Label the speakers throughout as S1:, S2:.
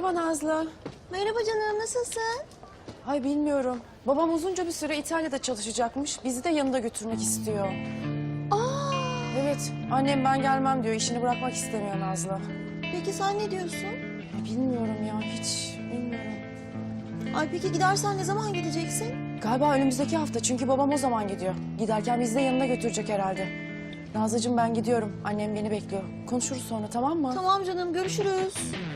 S1: Merhaba Nazlı.
S2: Merhaba canım, nasılsın?
S1: Ay bilmiyorum. Babam uzunca bir süre İtalya'da çalışacakmış. Bizi de yanında götürmek istiyor.
S2: Aa,
S1: Evet, annem ben gelmem diyor. İşini bırakmak istemiyor Nazlı.
S2: peki sen ne diyorsun?
S1: Bilmiyorum ya, hiç bilmiyorum.
S2: Ay peki gidersen ne zaman gideceksin?
S1: Galiba önümüzdeki hafta çünkü babam o zaman gidiyor. Giderken bizi de yanına götürecek herhalde. Nazlıcığım ben gidiyorum. Annem beni bekliyor. Konuşuruz sonra, tamam mı?
S2: Tamam canım, görüşürüz.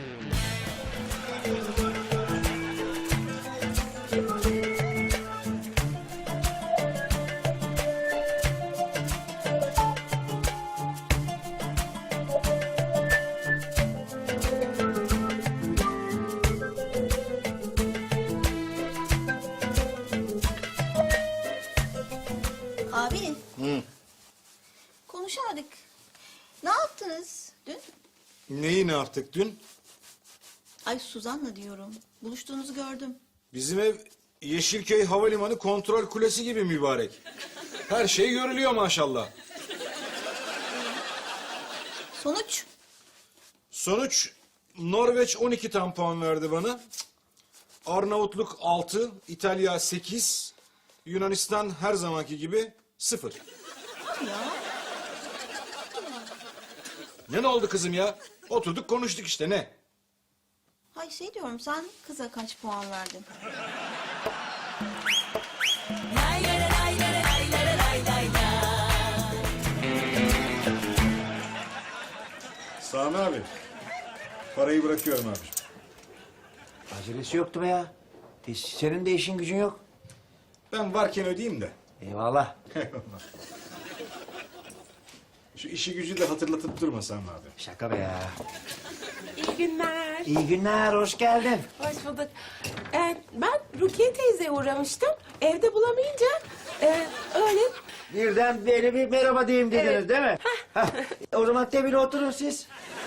S2: Abi. Konuşamadık. Ne yaptınız dün?
S3: Neyi ne yaptık dün?
S2: Ay Suzan'la diyorum. Buluştuğunuzu gördüm.
S3: Bizim ev Yeşilköy Havalimanı kontrol kulesi gibi mübarek. Her şey görülüyor maşallah.
S2: Sonuç?
S3: Sonuç Norveç 12 tam puan verdi bana. Arnavutluk 6, İtalya 8, Yunanistan her zamanki gibi 0.
S2: Ya.
S3: Ne oldu kızım ya? Oturduk konuştuk işte ne?
S2: Hay şey diyorum, sen kıza kaç puan verdin?
S3: Sami abi, parayı bırakıyorum abiciğim.
S4: Acelesi yoktu be ya. Senin de işin gücün yok.
S3: Ben varken ödeyeyim de.
S4: Eyvallah.
S3: Şu işi gücü de hatırlatıp durma Sami abi.
S4: Şaka be ya.
S5: İyi günler.
S4: İyi günler, hoş geldin.
S5: Hoş bulduk. Ben Rukiye teyzeye uğramıştım. Evde bulamayınca öyle...
S4: Birden böyle bir merhaba diyeyim dediniz
S5: Evet.
S4: değil mi? Hah. O zaman tebile oturun siz.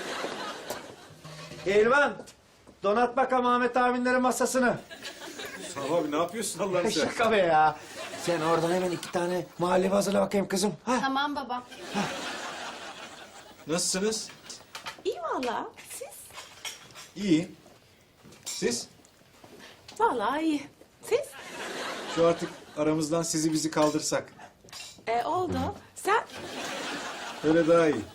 S4: Elvan, donat bakalım Ahmet abinlerin masasını.
S3: Sami abi ne yapıyorsun Allah'ını seversen?
S4: Şaka be ya. Sen oradan hemen 2 tane muhallebi hazırla bakayım kızım. Ha?
S2: Tamam baba.
S3: Nasılsınız?
S5: İyi valla. Siz?
S3: İyi. Siz?
S5: Valla iyi. Siz?
S3: Şu artık aramızdan sizi bizi kaldırsak.
S5: Oldu. Sen?
S3: Öyle daha iyi.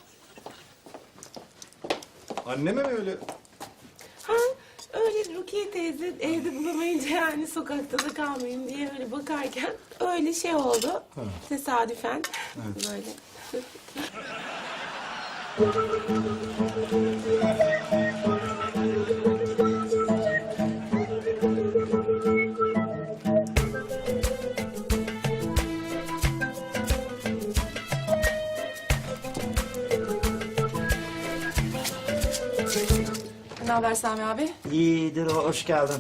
S3: Anneme mi öyle?
S5: Ha, öyle Rukiye teyze evde bulamayınca yani sokakta da kalmayayım diye öyle bakarken öyle şey oldu. Tesadüfen. Böyle.
S1: Ne haber Sami abi?
S4: İyidir, hoş geldin.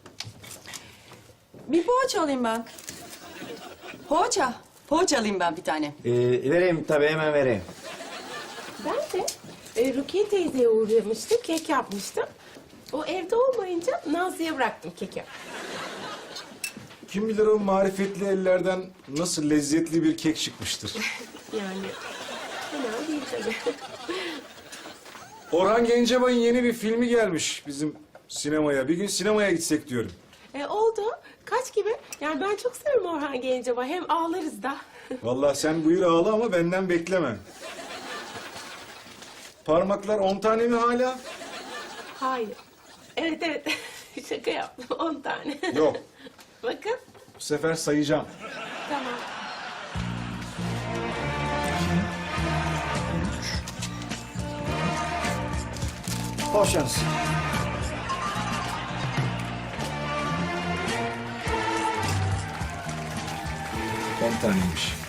S1: Bir poğaça alayım ben. Poğaça. Poğaça alayım ben bir tane.
S4: Vereyim tabii, hemen vereyim.
S5: Ben de Rukiye teyzeye uğramıştım. Kek yapmıştım. O evde olmayınca Nazlı'ya bıraktım keki.
S3: Kim bilir o marifetli ellerden nasıl lezzetli bir kek çıkmıştır.
S5: Yani fena değil tabii.
S3: Orhan Gencebay'ın yeni bir filmi gelmiş bizim sinemaya. Bir gün sinemaya gitsek diyorum.
S5: Oldu. Kaç gibi? Yani ben çok severim Orhan Gencebay. Hem ağlarız da.
S3: Vallahi sen buyur ağla ama benden bekleme. Parmaklar 10 tane mi hala?
S5: Hayır. Evet evet. Şaka yaptım. 10 tane.
S3: Yok.
S5: Bakın.
S3: Bu sefer sayacağım.
S5: Tamam.
S4: Hoş şans.
S3: 10 taneymiş.